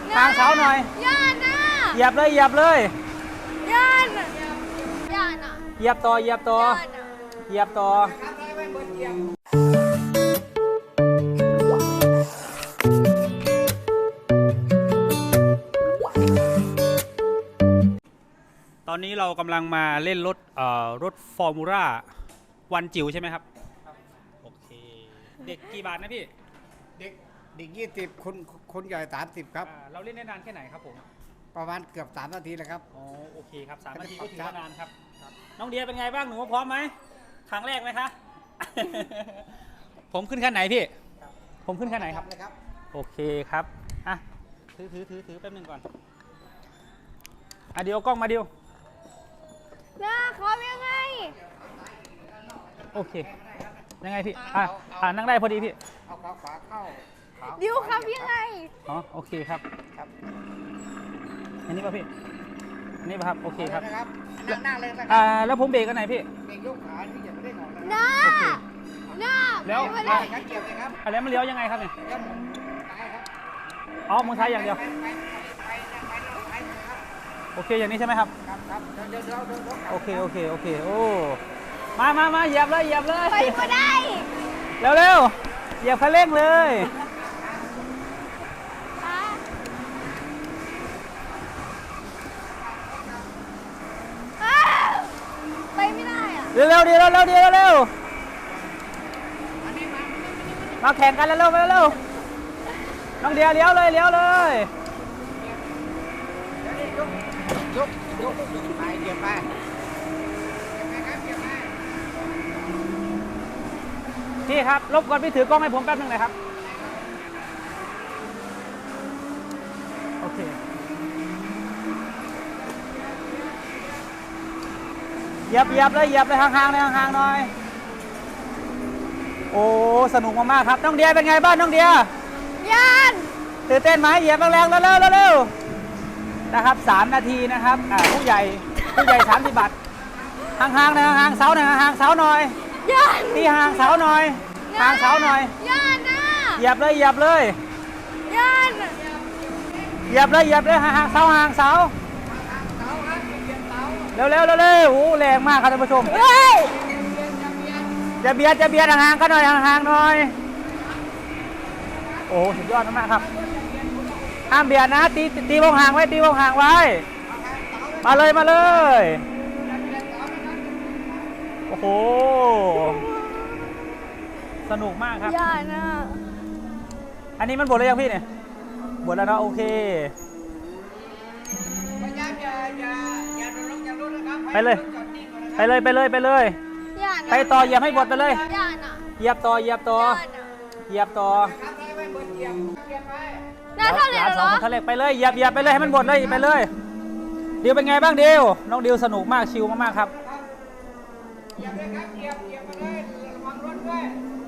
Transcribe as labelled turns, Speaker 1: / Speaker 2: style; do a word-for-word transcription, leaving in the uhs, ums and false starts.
Speaker 1: ห่างเสาหน่อย
Speaker 2: ย่านนะ
Speaker 1: เหยียบเลยเหยียบเลย
Speaker 2: ย่านย่านอ่ะ
Speaker 1: เหยียบต่อเหยียบต่อเหยียบต่อตอนนี้เรากำลังมาเล่นรถเอ่อรถฟอร์มูล่าวันจิ๋วใช่ไหมครับโอเคเด็กกี่บาทนะพี่
Speaker 3: เด็กเด็กยี่สิบคนคนใหญ่สามสิบครับ
Speaker 1: เราเล่นได้นานแค่ไหนครับผม
Speaker 3: ประมาณเกือบสามนาทีแล้วครับ
Speaker 1: อ๋อโอเคครับสามนาทีก็ถือว่านานครับน้องเดียเป็นไงบ้างหนูพร้อมไหมครั้งแรกไหมคะ ผมขึ้นขั้นไหนพี่ผมขึ้นขั้นไหนครับโอเคครับอ่ะถือถือถือถือแป๊บนึงก่อนอ่ะเดี๋ยวกล้องมาเดียว
Speaker 2: น้าขอยังไง
Speaker 1: โอเคยังไงพี่อ่ะอ่านั่งได้พอดีพี่
Speaker 3: เอาขาขวาเข้า
Speaker 2: ดิวครับยังไง
Speaker 1: อ๋อโอเคครับครับอันนี้ป่ะพี่อันนี้ป่ะครับโอเคครับ
Speaker 3: นะครับนั่งเลยนะครับ
Speaker 1: อ่าแล้วผมเบรกกันไหนพี่
Speaker 3: เบรกยกขาที่อย่าไม่ได้หงอก
Speaker 2: น้าน้า
Speaker 1: แล้ว
Speaker 2: ไม่
Speaker 3: ได้ครับเกี่ยวเลยครับ
Speaker 1: แล้วมันเลี้ยวยังไงครับเนี่ย
Speaker 3: เลี้ยวหมุนซ้ายครับ
Speaker 1: อ๋อมือซ้ายอย่างเดียวโอเคอย่างนี้ใช่ไหมครับ
Speaker 3: ครับครับเดี๋ยวเดี๋ยวเดี๋ยว
Speaker 1: โอเคโอเคโอเคโอ้มามามาเหยียบเลยเหยียบเลย
Speaker 2: ไปก็ได้
Speaker 1: เร็วเร็วเหยียบคันเร่งเลย
Speaker 2: ไปไม่ได้อะ
Speaker 1: เร็วเร็วดีเร็วเร็วดีเร็วเร็วมาแข่งกันแล้วเร็วเร็วน้องเดียเลี้ยวเลยเลี้ยวเลย
Speaker 3: ยกยกยกไปเหยียบไป
Speaker 1: พี่ครับรบกวนพี่ถือกล้องให้ผมแป๊บนึงหน่อยครับโอเคเหยียบเหยียบเลยเหยียบเลยห่างๆเลยห่างๆหน่อยโอ้สนุกมากๆครับน้องเดียเป็นไงบ้างน้องเดีย
Speaker 2: ย่าน
Speaker 1: ตื่นเต้นไหมเหยียบแรงๆเร็วๆเร็วๆนะครับสามนาทีนะครับอ่าผู้ใหญ่ผู้ใหญ่สามสิบบาทห่างๆนะห่างๆเสาหน่อยห่างๆเสาหน่อย
Speaker 2: ย่าน
Speaker 1: ตีห่างเสาหน่อยห่างเสาหน่อย
Speaker 2: ย่านนะ
Speaker 1: เหยียบเลยเหยียบเลย
Speaker 2: ย่าน
Speaker 1: เหยียบเลยเหยียบเลยห่างเสาห่างเสาเร็วเร็วเร็วเร็วโอ้แรงมากครับท่านผู้ชม
Speaker 2: เฮ้ย
Speaker 1: จะเบียดจะเบียดห่างๆกันหน่อยห่างๆหน่อยโอ้สุดยอดมากครับห้ามเบียดนะตีตีวงห่างไว้ตีวงห่างไว้มาเลยมาเลยโอ้โหสนุกมากครับ
Speaker 2: ย่านะ
Speaker 1: อันนี้มันบดเลยยังพี่เนี่ยบดแล้วเนาะโอเคไปเลยไปเลยไปเลยไปเลยไปต่อเหยียบให้บดไปเลยเหยียบต่อเหยียบต่อเหยียบต่อ
Speaker 2: น้าเท่าไหร่เหรอ
Speaker 1: ทะเลไปเลยเหยียบเหยียบไปเลยให้มันบดเลยไปเลยดิวเป็นไงบ้างดิวน้องดิวสนุกมากชิลมากๆครับเหยียบเลยครับเหยียบเหยียบไปเลยระวังรถด้วย